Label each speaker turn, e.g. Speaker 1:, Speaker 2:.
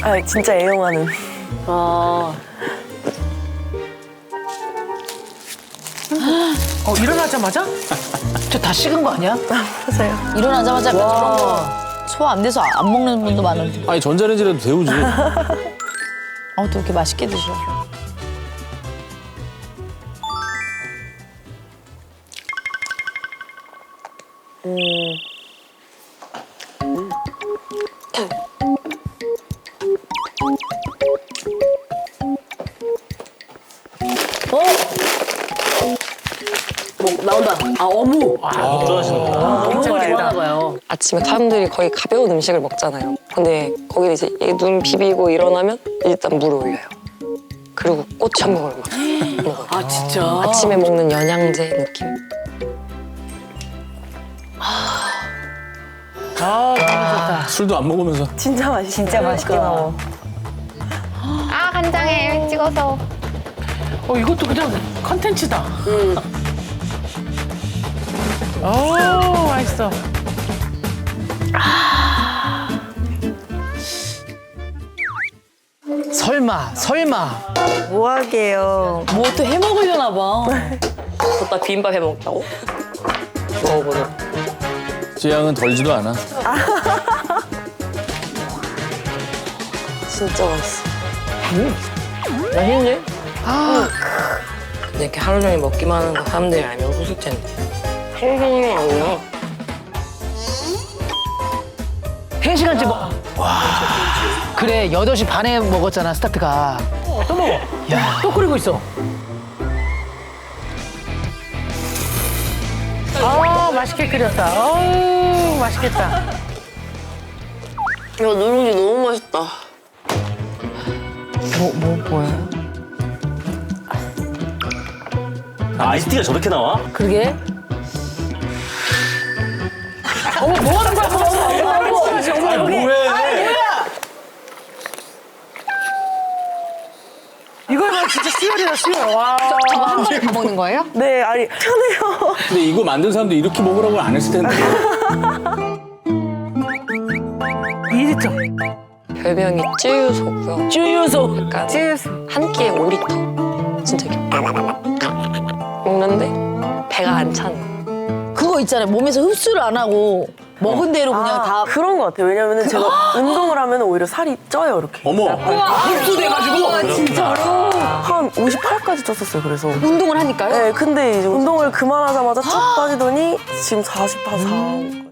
Speaker 1: 아, 진짜 애용하는.
Speaker 2: 일어나자마자? 저 다 식은 거 아니야?
Speaker 1: 맞아요.
Speaker 3: 일어나자마자 약간 저런 거 소화 안 돼서 안 먹는 분도 많은데.
Speaker 4: 아니 전자레인지라도 데우지.
Speaker 3: 또 이렇게 맛있게 드셔.
Speaker 2: 나온다. 어묵.
Speaker 1: 굉장히
Speaker 2: 좋아하나 봐요.
Speaker 5: 아침에 사람들이 거의 가벼운 음식을 먹잖아요. 근데 거기를 이제 눈 비비고 일어나면 일단 물을 올려요. 그리고 꼬치한복을 막 먹어요.
Speaker 2: 아, 진짜?
Speaker 5: 아침에 먹는 영양제 느낌.
Speaker 2: 너무 좋다.
Speaker 4: 술도 안 먹으면서.
Speaker 1: 진짜 맛있어. 진짜 맛있게 먹어.
Speaker 6: 아 간장에 찍어서.
Speaker 2: 이것도 그냥 컨텐츠다. 맛있어. 설마.
Speaker 1: 뭐하게요.
Speaker 3: 뭐 또 해 먹으려나 봐.
Speaker 5: 걷다 비빔밥 해 먹다고? 먹어보자.
Speaker 4: 지향은 덜지도 않아.
Speaker 5: 진짜 맛있어. 맛있네? 근데 이렇게 하루 종일 먹기만 하는 거 사람들이 알면 웃을 텐데. 생선이 아니야.
Speaker 2: 3시간째 먹. 와. 그래, 8시 반에 먹었잖아, 스타트가. 또 먹어. 야, 또 끓이고 있어. 맛있게 끓였다. 맛있겠다.
Speaker 5: 이거 누룽지 너무 맛있다. 뭐예요?
Speaker 7: 아이스티가 저렇게 나와?
Speaker 2: 그러게. 뭐 하는 거야?
Speaker 4: 아 뭐해?
Speaker 2: 이거는 진짜 수혈이다, 수혈. 와.
Speaker 6: 저거 한 번에 다 먹는 거예요?
Speaker 1: 네, 아니, 편해요.
Speaker 4: 근데 이거 만든 사람도 이렇게 먹으라고 안 했을 텐데.
Speaker 2: 2리터.
Speaker 5: 별명이 쯔유소고요.
Speaker 2: 주유소.
Speaker 5: 약간 한 끼에 5리터. 진짜 이렇게 먹는데 배가 안 차는.
Speaker 3: 그거 있잖아요. 몸에서 흡수를 안 하고 먹은 대로 그냥 다.
Speaker 1: 그런 것 같아요. 왜냐면은 제가 운동을 하면 오히려 살이 쪄요, 이렇게.
Speaker 4: 어머.
Speaker 2: 흡수돼가지고.
Speaker 1: 진짜로? 한 58까지 쪘었어요, 그래서.
Speaker 6: 운동을 하니까요?
Speaker 1: 네, 근데 이제 운동을 그만하자마자 쭉 빠지더니 지금 44, 4.